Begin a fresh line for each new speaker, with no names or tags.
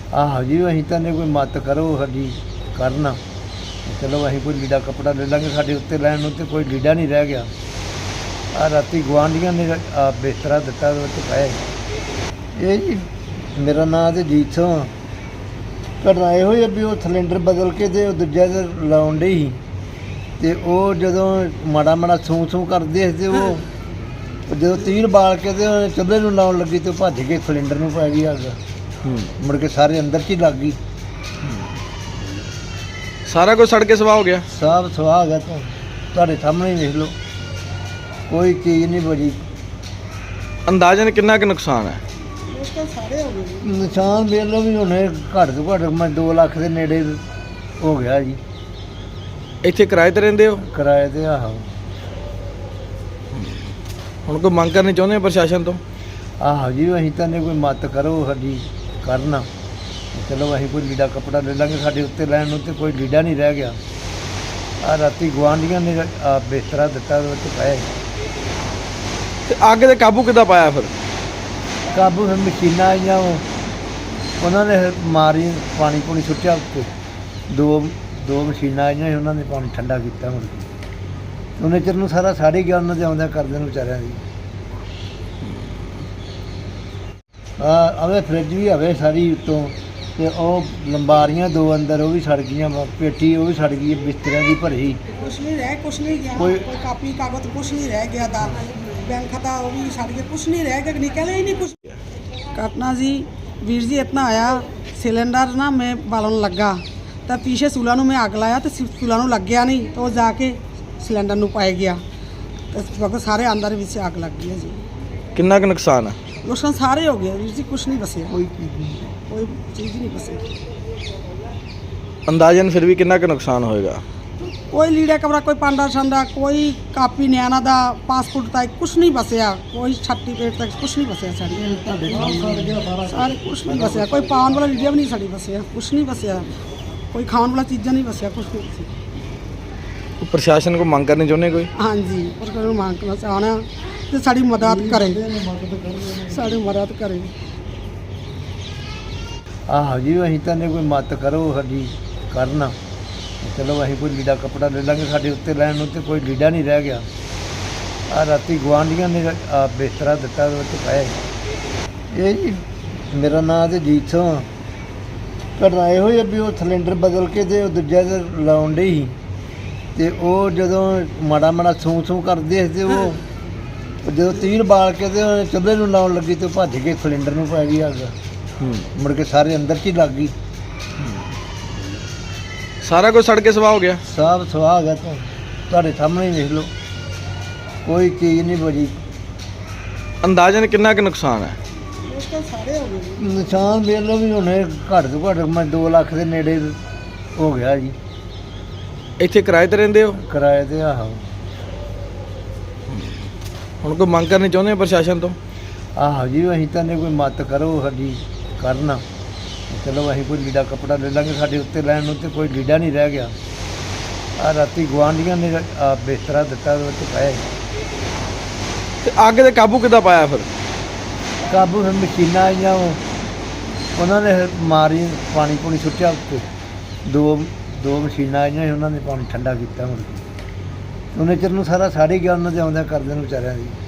ਆਹੋ ਜੀ ਅਸੀਂ ਤਾਂ ਨੇ ਕੋਈ ਮਦਦ ਕਰੋ ਸਾਡੀ ਕਰਨ। ਚਲੋ ਅਸੀਂ ਕੋਈ ਲੀੜਾ ਕੱਪੜਾ ਲੈ ਲਾਂਗੇ, ਸਾਡੇ ਉੱਤੇ ਲੈਣ ਨੂੰ ਤੇ ਕੋਈ ਲੀੜਾ ਨਹੀਂ ਰਹਿ ਗਿਆ। ਆ ਰਾਤੀ ਗੁਆਂਢੀਆਂ ਨੇ ਬਿਸਤਰਾ ਦਿੱਤਾ, ਉਹਦੇ ਵਿੱਚ ਪਏ। ਇਹ ਜੀ ਮੇਰਾ ਨਾਂ ਤੇ ਜੀਤ ਸਿੰਘ। ਘਟਨਾ ਇਹੋ ਹੀ ਆ ਵੀ ਉਹ ਸਿਲੰਡਰ ਬਦਲ ਕੇ ਤੇ ਉਹ ਦੂਜਾ ਤੇ ਲਾਉਣ ਡਈ ਸੀ, ਤੇ ਉਹ ਜਦੋਂ ਮਾੜਾ ਮਾੜਾ ਸੂੰ ਕਰਦੇ ਸੀ ਤੇ ਉਹ ਜਦੋਂ ਤੀਰ ਬਾਲ ਕੇ ਤੇ ਉਹ ਚੁੱਲ੍ਹੇ ਨੂੰ ਲਾਉਣ ਲੱਗੀ ਤੇ ਉਹ ਭੱਜ ਕੇ ਸਿਲੰਡਰ ਨੂੰ ਪੈ ਗਈ ਅੱਗ। ਮੁੜ ਕੇ ਸਾਰੇ ਅੰਦਰ 'ਚ ਹੀ ਲੱਗ ਗਈ।
ਸਾਰਾ ਕੁਝ ਸੜ ਕੇ ਸਵਾਹ ਹੋ ਗਿਆ।
ਸਭ ਸਵਾਹ ਗਿਆ। ਤੁਹਾਡੇ ਸਾਹਮਣੇ ਹੀ ਵੇਖ ਲਓ, ਕੋਈ ਚੀਜ਼ ਨਹੀਂ ਬਚੀ।
ਅੰਦਾਜ਼ਨ ਕਿੰਨਾ ਕੁ ਨੁਕਸਾਨ ਹੈ?
ਨਿਸ਼ਾਨ ਵੇਖ ਲਓ ਵੀ ਹੁਣੇ ਘੱਟ ਤੋਂ ਘੱਟ ਮੈਂ 2 ਲੱਖ ਦੇ ਨੇੜੇ ਹੋ ਗਿਆ ਜੀ।
ਇੱਥੇ ਕਿਰਾਏ ਤੇ ਰਹਿੰਦੇ ਹੋ?
ਕਿਰਾਏ ਤੇ। ਆਹੋ।
ਹੁਣ ਕੋਈ ਮੰਗ ਕਰਨੀ ਚਾਹੁੰਦੇ ਹੋ ਪ੍ਰਸ਼ਾਸਨ ਤੋਂ?
ਆਹੋ ਜੀ ਅਸੀਂ ਤਾਂ ਨੇ ਕੋਈ ਮਦਦ ਕਰੋ ਸਾਡੀ ਕਰਨ। ਚਲੋ ਅਸੀਂ ਕੋਈ ਲੀੜਾ ਕੱਪੜਾ ਲੈ ਲਾਂਗੇ, ਸਾਡੇ ਉੱਤੇ ਲੈਣ ਨੂੰ ਤੇ ਕੋਈ ਲੀੜਾ ਨਹੀਂ ਰਹਿ ਗਿਆ। ਆ ਰਾਤੀ ਗੁਆਂਢੀਆਂ ਨੇ ਬਿਸਤਰਾ ਦਿੱਤਾ, ਉਹਦੇ ਵਿੱਚ ਪਏ।
ਤੇ ਅੱਗ ਤੇ ਕਾਬੂ ਕਿੱਦਾਂ ਪਾਇਆ ਫਿਰ?
ਕਾਬੂ ਫਿਰ ਮਸ਼ੀਨਾਂ ਆਈਆਂ, ਉਹਨਾਂ ਨੇ ਮਾਰੀ, ਪਾਣੀ ਪੂਣੀ ਸੁੱਟਿਆ ਉੱਤੇ। ਦੋ ਮਸ਼ੀਨਾਂ ਆਈਆਂ ਸੀ, ਉਹਨਾਂ ਨੇ ਪਾਣੀ ਠੰਡਾ ਕੀਤਾ। ਮੁੜ ਕੇ ਉਹਨੇ ਚਿਰ ਨੂੰ ਸਾਰਾ ਸਾੜ ਹੀ ਗਿਆ, ਉਹਨਾਂ ਦੇ ਆਉਂਦਿਆਂ ਕਰਦੇ ਨੂੰ ਵਿਚਾਰਿਆਂ ਦੀ। ਆਵੇ ਫਰਿੱਜ ਵੀ ਆਵੇ ਸਾਰੀ ਉੱਤੋਂ, ਤੇ ਉਹ ਲੰਬਾਰੀਆਂ 2 ਅੰਦਰ ਉਹ ਵੀ ਸੜ ਗਈਆਂ, ਪੇਟੀ ਉਹ ਵੀ ਸੜ ਗਈ, ਬਿਸਤਰਿਆਂ ਦੀ ਭਰੀ।
ਕੁਛ ਨਹੀਂ ਗਿਆ,
ਕੋਈ
ਕਾਪੀ ਕਾਗਜ਼ ਕੁਛ ਨਹੀਂ ਰਹਿ ਗਿਆ। ਦਾ बैंक खाता वो भी सड़ गया, कुछ नहीं रह गया, निकले ही नहीं कुछ। घटना जी वीर जी इतना आया, सिलेंडर ना मैं बालन लगा तो पीछे चूल्हा में अग लाया तो चूल्हा लग गया नहीं, तो जाके सिलेंडर पाई गया तो सारे अंदर भी अग लग गई जी।
कितना का नुकसान है?
नुकसान सारे हो गए वीर जी, कुछ नहीं बचे, कोई चीज़ नहीं बची।
अंदाजन फिर भी कितना का नुकसान होएगा?
कोई लीड़ा कपड़ा, कोई पांडा छंडा, कोई कापी न्याना दा, पासपोर्ट तक कुछ नहीं बसया, कोई छट्टी पेट तक कुछ नहीं बसया सारे कुछ नहीं बसया। कोई पान वाला लीड़ा भी नहीं साड़ी बसया, कुछ नहीं बसया। कोई खाने वाला चीज़ा नहीं बसया, कुछ नहीं बसया।
प्रशासन को मांग करनी चाਹੁੰਦੇ ਕੋਈ?
हाँ जी, प्रशासन मांग करना चाहना तो साड़ी मदद करे, साड़ी मदद करे।
ਆਹੋ ਜੀ ਅਸੀਂ ਤਾਂ ਨੇ ਕੋਈ ਮਦਦ ਕਰੋ ਸਾਡੀ ਕਰਨ। ਚਲੋ ਅਸੀਂ ਕੋਈ ਲੀੜਾ ਕੱਪੜਾ ਲੈ ਲਾਂਗੇ, ਸਾਡੇ ਉੱਤੇ ਲੈਣ ਨੂੰ ਤੇ ਕੋਈ ਲੀੜਾ ਨਹੀਂ ਰਹਿ ਗਿਆ। ਆ ਰਾਤੀ ਗੁਆਂਢੀਆਂ ਨੇ ਬਿਸਤਰਾ ਦਿੱਤਾ, ਉਹਦੇ ਵਿੱਚ ਪਏ। ਇਹ ਜੀ ਮੇਰਾ ਨਾਂ ਤੇ ਜੀਤ ਸਿੰਘ। ਘਟਨਾ ਇਹੋ ਹੀ ਆ ਵੀ ਉਹ ਸਿਲੰਡਰ ਬਦਲ ਕੇ ਤੇ ਉਹ ਦੂਜਾ ਤੇ ਲਾਉਣ ਡਈ ਸੀ, ਤੇ ਉਹ ਜਦੋਂ ਮਾੜਾ ਮਾੜਾ ਸੂੰ ਕਰਦੇ ਸੀ ਤੇ ਉਹ ਜਦੋਂ ਤੀਰ ਬਾਲ ਕੇ ਤੇ ਉਹ ਚੁੱਲ੍ਹੇ ਨੂੰ ਲਾਉਣ ਲੱਗੀ ਤੇ ਉਹ ਭੱਜ ਕੇ ਸਿਲੰਡਰ ਨੂੰ ਪੈ ਗਈ ਅੱਗ। ਮੁੜ ਕੇ ਸਾਰੇ ਅੰਦਰ 'ਚ ਹੀ ਲੱਗ ਗਈ।
ਸਾਰਾ ਕੁਝ ਸੜ ਕੇ ਸਵਾਹ ਹੋ ਗਿਆ।
ਸਭ ਸਵਾਹ ਗਿਆ। ਤੁਹਾਡੇ ਸਾਹਮਣੇ ਹੀ ਵੇਖ ਲਓ, ਕੋਈ ਚੀਜ਼ ਨਹੀਂ ਬਚੀ।
ਅੰਦਾਜ਼ਨ ਕਿੰਨਾ ਕੁ ਨੁਕਸਾਨ ਹੈ?
ਨਿਸ਼ਾਨ ਵੇਖ ਲਓ ਵੀ ਹੁਣੇ ਘੱਟ ਤੋਂ ਘੱਟ ਮੈਂ 2 ਲੱਖ ਦੇ ਨੇੜੇ ਹੋ ਗਿਆ ਜੀ।
ਇੱਥੇ ਕਿਰਾਏ ਤੇ ਰਹਿੰਦੇ ਹੋ?
ਕਿਰਾਏ ਤੇ। ਆਹੋ।
ਹੁਣ ਕੋਈ ਮੰਗ ਕਰਨੀ ਚਾਹੁੰਦੇ ਹੋ ਪ੍ਰਸ਼ਾਸਨ ਤੋਂ?
ਆਹੋ ਜੀ ਅਸੀਂ ਤਾਂ ਨੇ ਕੋਈ ਮਦਦ ਕਰੋ ਸਾਡੀ ਕਰਨ। ਚਲੋ ਅਸੀਂ ਕੋਈ ਲੀੜਾ ਕੱਪੜਾ ਲੈ ਲਾਂਗੇ, ਸਾਡੇ ਉੱਤੇ ਲੈਣ ਨੂੰ ਤੇ ਕੋਈ ਲੀੜਾ ਨਹੀਂ ਰਹਿ ਗਿਆ। ਆ ਰਾਤੀ ਗੁਆਂਢੀਆਂ ਨੇ ਬਿਸਤਰਾ ਦਿੱਤਾ, ਉਹਦੇ ਵਿੱਚ ਪਏ।
ਤੇ ਅੱਗ ਤੇ ਕਾਬੂ ਕਿੱਦਾਂ ਪਾਇਆ ਫਿਰ?
ਕਾਬੂ ਫਿਰ ਮਸ਼ੀਨਾਂ ਆਈਆਂ, ਉਹਨਾਂ ਨੇ ਮਾਰੀ, ਪਾਣੀ ਪੂਣੀ ਸੁੱਟਿਆ ਉੱਤੇ। ਦੋ ਮਸ਼ੀਨਾਂ ਆਈਆਂ ਸੀ, ਉਹਨਾਂ ਨੇ ਪਾਣੀ ਠੰਡਾ ਕੀਤਾ। ਮੁੜ ਕੇ ਉਹਨੇ ਚਿਰ ਨੂੰ ਸਾਰਾ ਸਾੜ ਹੀ ਗਿਆ, ਉਹਨਾਂ ਦੇ ਆਉਂਦਿਆਂ ਕਰਦੇ ਨੂੰ ਵਿਚਾਰਿਆਂ ਦੀ।